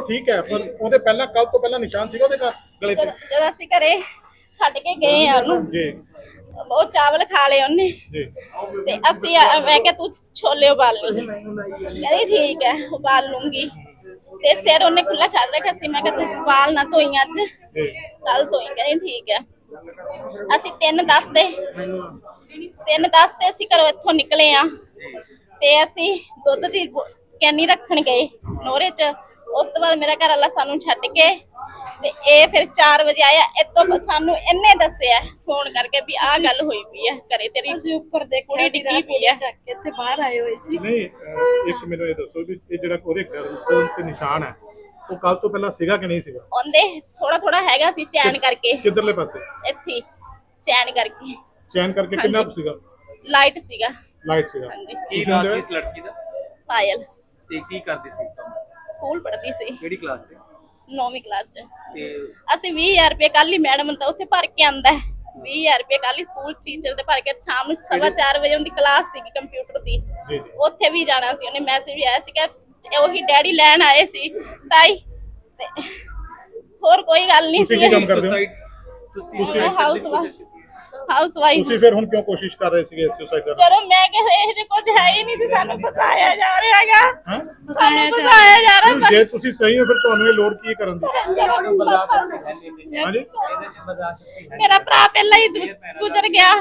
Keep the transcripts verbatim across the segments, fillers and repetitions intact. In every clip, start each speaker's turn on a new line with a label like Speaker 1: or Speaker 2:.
Speaker 1: ठीक है पर ਉਹਦੇ ਪਹਿਲਾਂ ਕੱਲ ਤੋਂ ਪਹਿਲਾਂ ਨਿਸ਼ਾਨ ਸੀਗਾ ਉਹਦੇ ਗਲੇ ਤੇ
Speaker 2: जब ਅਸੀਂ ਘਰੇ ਛੱਡ ਕੇ ਗਏ ਆ ਉਹਨੂੰ
Speaker 1: ਜੀ
Speaker 2: ਉਹ ਚਾਵਲ ਖਾ ਲਏ ਉਹਨੇ
Speaker 1: ਜੀ
Speaker 2: ਤੇ ਅਸੀਂ ਮੈਂ ਕਿਹਾ ਤੂੰ ਛੋਲੇ ਉਬਾਲ ਲਈ ਕਹਿੰਦੀ ਠੀਕ ਹੈ ਉਬਾਲ ਲੂੰਗੀ ਤੇ ਸਿਰ ਉਹਨੇ ਖੁੱਲਾ ਛੱਡ ਰੱਖਿਆ ਸੀ ਮੈਂ ਕਿਹਾ ਤੂੰ ਵਾਲ ਨਾ ਧੋਈ ਅੱਜ ਕੱਲ ਧੋਈ ਕਹਿੰਦੀ ਠੀਕ ਹੈ ਅਸੀਂ ਤਿੰਨ ਦਸ ਦੇ ਤਿੰਨ ਦਸ ਤੇ ਅਸੀਂ ਘਰੋਂ ਇੱਥੋਂ ਨਿਕਲੇ ਆ ਤੇ ਅਸੀਂ ਦੁੱਧ ਦੀ ਕੈਨੀ ਰੱਖਣ ਗਏ ਨੋਰੇ ਚ ਉਸ ਤੋਂ ਬਾਅਦ ਮੇਰਾ ਘਰ ਵਾਲਾ ਸਾਨੂੰ ਛੱਡ ਕੇ ਤੇ ਇਹ ਫਿਰ ਚਾਰ ਵਜੇ ਆਇਆ ਇਤੋਂ ਸਾਨੂੰ ਇਹਨੇ ਦੱਸਿਆ ਫੋਨ ਕਰਕੇ ਵੀ ਆਹ ਗੱਲ ਹੋਈ ਪਈ ਹੈ ਘਰੇ ਤੇਰੀ
Speaker 3: ਅਸੀਂ ਉੱਪਰ ਦੇਖਿਆ
Speaker 2: ਕੁੜੀ ਡਿੱਗੀ ਪਈ ਹੈ
Speaker 3: ਚੱਕ ਕੇ ਇੱਥੇ ਬਾਹਰ ਆਏ ਹੋਏ ਸੀ
Speaker 1: ਨਹੀਂ ਇੱਕ ਮੈਨੂੰ ਇਹ ਦੱਸੋ ਵੀ ਇਹ ਜਿਹੜਾ ਉਹਦੇ ਗਲੇ ਤੇ ਨਿਸ਼ਾਨ ਹੈ ਉਹ ਕੱਲ ਤੋਂ ਪਹਿਲਾਂ ਸੀਗਾ ਕਿ ਨਹੀਂ ਸੀਗਾ
Speaker 2: ਉਹਦੇ ਥੋੜਾ ਥੋੜਾ ਹੈਗਾ ਸੀ ਚੈਨ ਕਰਕੇ
Speaker 1: ਕਿੱਧਰਲੇ ਪਾਸੇ
Speaker 2: ਇੱਥੇ ਚੈਨ ਕਰਕੇ
Speaker 1: ਚੈਨ ਕਰਕੇ ਕਿੰਨਾ ਕੁ ਸੀਗਾ
Speaker 2: ਲਾਈਟ ਸੀਗਾ
Speaker 1: ਲਾਈਟ ਸੀਗਾ
Speaker 2: ਹਾਂਜੀ
Speaker 4: ਕੀ ਨਾਮ ਸੀ ਇਸ ਲੜਕੀ ਦਾ
Speaker 2: ਪਾਇਲ
Speaker 4: ਤੇ ਕੀ ਕਰਦੀ ਸੀ ਕੰਮ
Speaker 2: ਸਕੂਲ ਪੜ੍ਹਦੀ ਸੀ
Speaker 4: ਕਿਹੜੀ ਕਲਾਸ 'ਚ
Speaker 2: ਨੌਵੀਂ ਕਲਾਸ ਚ
Speaker 4: ਤੇ
Speaker 2: ਅਸੀਂ ਵੀਹ ਹਜ਼ਾਰ ਰੁਪਏ ਕੱਲ ਹੀ ਮੈਡਮ ਤਾਂ ਉੱਥੇ ਭਰ ਕੇ ਆਂਦਾ ਵੀਹ ਹਜ਼ਾਰ ਰੁਪਏ ਕੱਲ ਹੀ ਸਕੂਲ ਟੀਚਰ ਦੇ ਭਰ ਕੇ ਸ਼ਾਮ ਨੂੰ ਸਵਾ ਚਾਰ ਵਜੇ ਉਹਦੀ ਕਲਾਸ ਸੀਗੀ ਕੰਪਿਊਟਰ ਦੀ
Speaker 1: ਜੀ ਜੀ
Speaker 2: ਉੱਥੇ ਵੀ ਜਾਣਾ ਸੀ ਉਹਨੇ ਮੈਸੇਜ ਵੀ ਆਇਆ ਸੀ ਕਿ ਉਹੀ ਡੈਡੀ ਲੈਣ ਆਏ ਸੀ ਤਾਈ ਤੇ ਹੋਰ ਕੋਈ ਗੱਲ ਨਹੀਂ
Speaker 1: ਤੁਸੀਂ
Speaker 2: ਸੀ
Speaker 1: ਕੀ ਕੰਮ ਕਰਦੇ ਹੋ
Speaker 4: ਸੁਸਾਈਡ ਤੁਸੀਂ
Speaker 2: ਹਾਊਸ ਹਾਊਸ ਵਾਈਫ
Speaker 1: ਤੁਸੀਂ ਫਿਰ ਹੁਣ ਕਿਉਂ ਕੋਸ਼ਿਸ਼ ਕਰ ਰਹੇ ਸੀਗੇ ਸੁਸਾਈਡ ਕਰਨ
Speaker 2: ਚਲੋ ਮੈਂ ਕਿਹਾ ਇਹ ਜੇ ਕੁਝ ਹੈ ਹੀ ਨਹੀਂ ਸੀ ਸਾਨੂੰ ਫਸਾਇਆ ਜਾ ਰਿਹਾ ਹੈਗਾ
Speaker 1: ਹਾਂ
Speaker 2: ਸਾਨੂੰ ਫਸਾਇਆ ਜਾ ਰਿਹਾ
Speaker 1: ਜੇ ਤੁਸੀਂ ਸਹੀ ਹੋ ਫਿਰ ਤੁਹਾਨੂੰ ਇਹ ਲੋੜ ਕੀ ਕਰਨ ਦੀ ਹਾਂਜੀ
Speaker 2: ਮੇਰਾ ਭਰਾ ਪਹਿਲਾਂ ਹੀ ਗੁਜ਼ਰ ਗਿਆ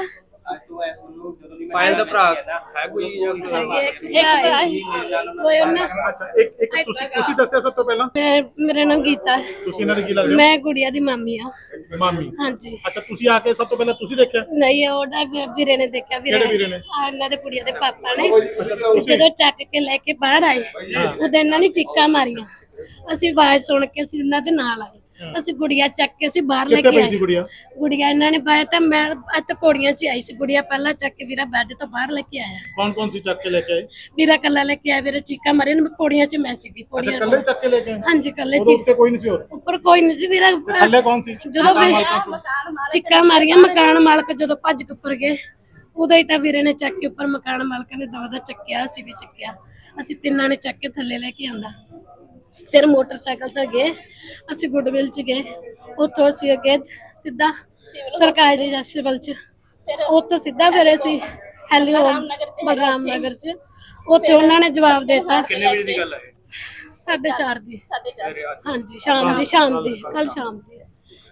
Speaker 4: ਪਾਇਲ ਦਾ ਭਰਾ ਹੈ ਕੋਈ ਜਾਂ
Speaker 2: ਇੱਕ ਭਰਾ ਹੀ
Speaker 3: ਕੋਈ ਉਹਨਾਂ
Speaker 1: ਅੱਛਾ ਇੱਕ ਇੱਕ ਤੁਸੀਂ ਤੁਸੀਂ ਦੱਸਿਆ ਸਭ ਤੋਂ ਪਹਿਲਾਂ
Speaker 3: ਮੈਂ ਮੇਰਾ ਨਾਮ ਗੀਤਾ ਹੈ।
Speaker 1: ਤੁਸੀਂ ਇਹਨਾਂ ਦੇ ਕੀ ਲੱਗਦੇ
Speaker 3: ਮੈਂ ਗੁੜੀਆ ਦੀ ਮਾਮੀ ਆ
Speaker 1: ਹੋ ਮਾਮੀ
Speaker 3: ਹਾਂਜੀ
Speaker 1: ਅੱਛਾ ਤੁਸੀਂ ਆ ਕੇ ਸਭ ਤੋਂ ਪਹਿਲਾਂ ਤੁਸੀਂ ਦੇਖਿਆ
Speaker 3: ਨਹੀਂ ਉਹਦਾ ਵੀਰੇ ਨੇ ਦੇਖਿਆ ਵੀਰੇ
Speaker 1: ਕਿਹੜੇ ਵੀਰੇ ਨੇ?
Speaker 3: ਆ ਇਹਨਾਂ ਦੇ ਕੁੜੀਆਂ ਦੇ ਪਾਪਾ ਨੇ ਜਦੋਂ ਚੱਕ ਕੇ ਲੈ ਕੇ ਬਾਹਰ ਆਏ ਉਦੋਂ ਇਹਨਾਂ ਨੇ ਚੀਕਾਂ ਮਾਰੀਆਂ ਅਸੀਂ ਆਵਾਜ਼ ਸੁਣ ਕੇ ਅਸੀਂ ਉਹਨਾਂ ਦੇ ਨਾਲ ਆਏ ਅਸੀਂ ਗੁੜੀਆ ਚੱਕ ਕੇ ਅਸੀਂ ਬਾਹਰ ਲੈ
Speaker 1: ਕਿੱਥੇ
Speaker 3: ਕੇ
Speaker 1: ਪਈ ਸੀ
Speaker 3: ਆਏ
Speaker 1: ਗੁੜੀਆ
Speaker 3: ਗੁੜੀਆ ਇਹਨਾਂ ਨੇ ਬਾਹਰ ਤਾਂ ਮੈਂ ਇੱਥੇ ਪੌੜੀਆਂ 'ਚ ਆਈ ਸੀ ਗੁੜੀਆ ਪਹਿਲਾਂ ਚੱਕ ਕੇ ਵੀਰਾ ਬੈੱਡ ਤੋਂ ਬਾਹਰ ਲੈ ਕੇ ਆਇਆ
Speaker 1: ਕੌਣ ਕੌਣ ਸੀ ਚੱਕ ਕੇ ਲੈ ਕੇ ਆਏ
Speaker 3: ਵੀਰਾ ਕੱਲਾ ਲੈ ਕੇ ਆਇਆ ਵੀਰੇ ਚੀਕਾਂ ਮਾਰੀਆਂ ਨੇ ਪੌੜੀਆਂ 'ਚ ਮੈਂ ਸੀਗੀ
Speaker 1: ਅੱਛਾ
Speaker 3: ਪੌੜੀਆਂ
Speaker 1: ਇਕੱਲੇ ਚੱਕ ਕੇ ਲੈ ਕੇ ਆਏ
Speaker 3: ਹਾਂਜੀ ਕੱਲੇ
Speaker 1: ਉਹਦੇ
Speaker 3: ਚੀ
Speaker 1: ਉੱਤੇ ਕੋਈ ਨਹੀਂ ਸੀ ਹੋਰ
Speaker 3: ਉੱਪਰ ਕੋਈ ਨਹੀਂ ਸੀ ਵੀਰਾ
Speaker 1: ਥੱਲੇ ਕੌਣ ਸੀ
Speaker 3: ਜਦੋਂ ਵੀਰੇ ਚੀਕਾਂ ਮਾਰੀਆਂ ਮਕਾਨ ਮਾਲਕ ਜਦੋਂ ਭੱਜ ਕੇ ਉੱਪਰ ਗਏ ਉਦੋਂ ਹੀ ਤਾਂ ਵੀਰੇ ਨੇ ਚੱਕ ਕੇ ਉੱਪਰ ਮਕਾਨ ਮਾਲਕ ਨੇ ਦਵਾ ਦਾ ਚੱਕਿਆ ਅਸੀਂ ਵੀ ਚੱਕਿਆ ਅਸੀਂ ਤਿੰਨਾਂ ਨੇ ਚੱਕ ਕੇ ਥੱਲੇ ਲੈ ਕੇ ਆਂਦਾ ਫਿਰ ਮੋਟਰਸਾਈਕਲ ਤੇ ਗਏ ਅਸੀਂ ਗੁੱਡਵਿਲ ਚ ਗਏ ਉੱਥੋਂ ਅਸੀਂ ਅੱਗੇ ਸਿੱਧਾ ਸਰਕਾਰੀ ਸਿਵਲ ਚ ਉੱਥੋਂ ਸਿੱਧਾ ਫਿਰ ਅਸੀਂ ਹੈਲੀਓ ਬਲਰਾਮ ਨਗਰ ਚ ਉੱਥੇ ਉਹਨਾਂ ਨੇ ਜਵਾਬ ਦਿੱਤਾ
Speaker 4: ਕਿੰਨੇ ਵਜੇ ਦੀ ਗੱਲ ਹੈ
Speaker 3: ਸਾਢੇ ਚਾਰ ਦੀ
Speaker 2: ਸਾਡੇ ਚਾਰ
Speaker 3: ਹਾਂਜੀ ਸ਼ਾਮ ਦੀ ਸ਼ਾਮ ਦੀ ਕੱਲ ਸ਼ਾਮ ਦੀ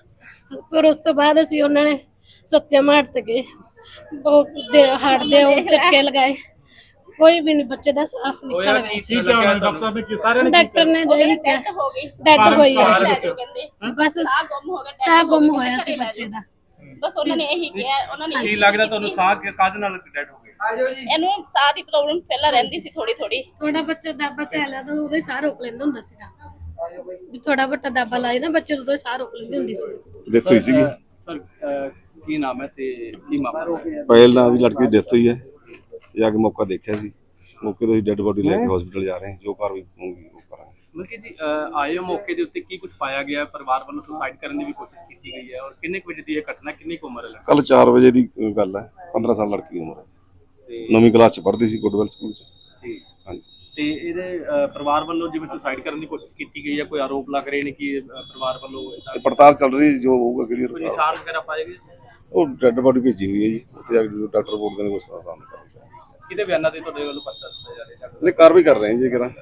Speaker 3: ਫਿਰ ਉਸ ਤੋਂ ਬਾਅਦ ਅਸੀਂ ਉਹਨਾਂ ਨੇ ਸੱਤਿਆਮ ਹਾਟ ਤੇ ਗਏ ਉਹ ਦੇ ਹਾਟ ਦੇ ਉਹ ਝਟਕੇ ਲਗਾਏ ਕੋਈ ਵੀ ਨਹੀਂ ਬੱਚੇ ਦਾ ਸਾਫ
Speaker 4: ਹੋਇਆ
Speaker 3: ਨਿਕਲ ਗਿਆ
Speaker 4: ਕੀ
Speaker 3: ਸੀ
Speaker 1: ਕੀ ਕਿਹਾ ਉਹਨੇ ਡਾਕਟਰ ਸਾਹਿਬ ਨੇ ਕੀ ਸਾਰਿਆਂ ਨੇ ਕੀ
Speaker 3: ਡਾਕਟਰ ਨੇ ਦੇ
Speaker 2: ਡੈਥ ਹੋ ਗਈ
Speaker 3: ਡੈਡ ਹੋਈ
Speaker 1: ਕਾਰਨ
Speaker 3: ਹੈ
Speaker 1: ਦੱਸਿਓ।
Speaker 2: ਕਹਿੰਦੇ
Speaker 3: ਬਸ
Speaker 2: ਸਾਹ ਗੁੰਮ ਹੋ ਗਿਆ
Speaker 3: ਸਾਹ ਗੁੰਮ ਹੋਇਆ ਸੀ ਬੱਚੇ ਦਾ
Speaker 2: ਬਸ ਉਹਨਾਂ ਨੇ ਇਹੀ ਕਿਹਾ ਉਹਨਾਂ ਨੇ
Speaker 4: ਕੀ ਲੱਗਦਾ ਤੁਹਾਨੂੰ ਸਾਹ ਕਾਹਦੇ ਨਾਲ ਡੈਡ ਹੋ ਗਏ
Speaker 2: ਇਹਨੂੰ ਸਾਹ ਦੀ ਪ੍ਰੋਬਲਮ ਪਹਿਲਾਂ ਰਹਿੰਦੀ ਸੀ ਥੋੜੀ ਥੋੜੀ
Speaker 3: ਥੋੜਾ ਬੱਚਾ ਦਾਬਾ ਚੱਲਿਆ ਤਾਂ ਉਹਦੇ ਸਾਹ ਰੋਕ ਲੈਂਦਾ ਹੁੰਦਾ ਸੀਗਾ ਵੀ ਥੋੜਾ ਵੱਟਾ ਦਾਬਾ ਲਾਏ ਨਾ ਬੱਚੇ ਤੋਂ ਸਾਹ ਰੋਕ ਲੈਂਦੀ ਹੁੰਦੀ ਸੀ
Speaker 5: ਡੈਥ ਹੋਈ ਸੀਗੀ
Speaker 4: ਸਰ ਕੀ ਨਾਮ ਹੈ ਤੇ ਕੀ ਮਾਮਲਾ
Speaker 5: ਪਹਿਲ ਨਾਂ ਦੀ ਲੜਕੀ ਦੀ ਡੈਥ ਹੋਈ ਹੈ ਜਾ ਕੇ ਮੌਕਾ ਦੇਖਿਆ ਸੀ ਮੌਕੇ ਤੋਂ ਹੀ ਡੈੱਡ ਬੋਡੀ ਲੈ ਕੇ ਹਸਪੀਟਲ ਜਾ ਰਹੇ ਹਾਂ ਜੋ ਕਾਰਵਾਈ ਹੋਊਗੀ ਉਹ ਕਰਾਂਗੇ
Speaker 4: ਮਤਲਬ ਕਿ ਜੀ ਅਹ, ਆਏ ਹੋ ਮੌਕੇ ਦੇ ਉੱਤੇ ਕੀ ਕੁਝ ਪਾਇਆ ਗਿਆ ਹੈ? ਪਰਿਵਾਰ ਵੱਲੋਂ ਸੁਸਾਈਡ ਕਰਨ ਦੀ ਵੀ ਕੋਸ਼ਿਸ਼ ਕੀਤੀ ਗਈ ਹੈ ਔਰ ਕਿੰਨੇ ਕੁ ਵਜੇ ਦੀ ਇਹ ਘਟਨਾ ਕਿੰਨੀ ਕੁ ਉਮਰ ਹੈ ਲੜਕੀ
Speaker 5: ਕੱਲ ਚਾਰ ਵਜੇ ਦੀ ਗੱਲ ਹੈ ਪੰਦਰਾਂ ਸਾਲ ਲੜਕੀ ਦੀ ਉਮਰ ਹੈ
Speaker 4: ਤੇ
Speaker 5: ਨੌਵੀਂ ਕਲਾਸ ਚ ਪੜ੍ਹਦੀ ਸੀ ਗੁੱਡਵੈਲ ਸਕੂਲ ਚ
Speaker 4: ਜੀ।
Speaker 5: ਹਾਂਜੀ
Speaker 4: ਤੇ ਇਹਦੇ ਅਹ, ਪਰਿਵਾਰ ਵੱਲੋਂ ਜਿਵੇਂ ਸੁਸਾਈਡ ਕਰਨ ਦੀ ਕੋਸ਼ਿਸ਼ ਕੀਤੀ ਗਈ ਹੈ ਕੋਈ ਆਰੋਪ ਲੱਗ ਰਹੇ ਨੇ ਕਿ ਅਹ, ਪਰਿਵਾਰ ਵੱਲੋਂ ਏਦਾਂ
Speaker 5: ਤੇ ਪੜਤਾਲ ਚੱਲ ਰਹੀ ਹੈ, ਜੋ ਹੋਊਗਾ
Speaker 4: ਕੋਈ
Speaker 5: ਕਿਹੜੀ
Speaker 4: ਨਿਸ਼ਾਨ ਵਗੈਰਾ ਪਾਏ ਗਏ
Speaker 5: ਉਹ ਡੈੱਡ ਬੋਡੀ ਭੇਜੀ ਹੋਈ ਹੈ ਜੀ ਉੱਥੇ ਜਾ ਕੇ ਜਦੋਂ ਡਾਕਟਰ ਰਿਪੋਰਟ ਦੇਣਗੇ ਉਸ ਦਾ ਸਾਹਮਣੇ ਕਰਾਂਗੇ
Speaker 4: ਕਿਹਦੇ ਬਿਆਨਾਂ ਤੇ ਤੁਹਾਡੇ ਵੱਲੋਂ ਪਰਚਾ ਦਿੱਤਾ ਜਾ ਰਿਹਾ ਹੈ
Speaker 5: ਨਹੀਂ ਕਾਰਵਾਈ ਕਰ ਰਹੇ ਹਾਂ ਜੀ ਕਰਾਂ